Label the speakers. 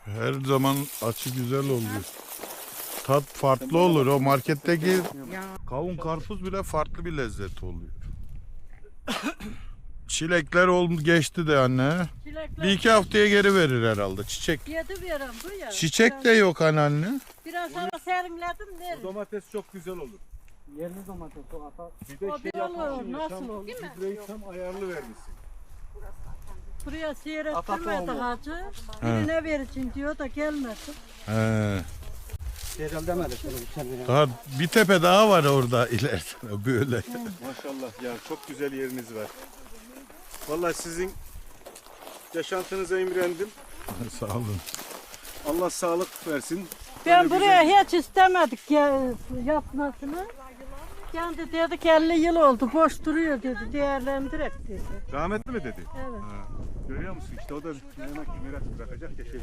Speaker 1: Her zaman açı güzel oluyor. Tat farklı olur. O marketteki kavun karpuz bile farklı bir lezzet oluyor. Çilekler geçti de anne.
Speaker 2: Çilekler
Speaker 1: Bir iki haftaya geri verir herhalde çiçek.
Speaker 2: yedi veren bu ya.
Speaker 1: Çiçek de yok anneanne.
Speaker 2: Biraz sonra serinledim
Speaker 3: O
Speaker 2: derim.
Speaker 3: domates çok güzel olur.
Speaker 4: Yerli domates o ata.
Speaker 3: Bir de
Speaker 2: O
Speaker 3: şey
Speaker 2: bir olur,
Speaker 3: yapmışsın,
Speaker 2: nasıl olur?
Speaker 3: gübreyi tam ayarlı vermişsin.
Speaker 2: Buraya seyrettirmedi hacı. Birine vereceğim diyor da gelmesin.
Speaker 1: He.
Speaker 4: Yerel demedi şunu bir kendine.
Speaker 1: Daha bir tepe daha var orada ileride böyle.
Speaker 3: Maşallah ya, çok güzel yeriniz var. Vallahi sizin yaşantınıza imrendim.
Speaker 1: Sağ olun.
Speaker 3: Allah sağlık versin.
Speaker 2: Ben
Speaker 3: Böyle
Speaker 2: buraya hiç istemedik ya, yapmasını. Kendi dedi ki 50 yıl oldu boş duruyor dedi, değerlendirek dedi.
Speaker 3: Rahmetli mi dedi?
Speaker 2: Evet.
Speaker 3: Görüyor musun işte, o da merak bırakacak ya şey.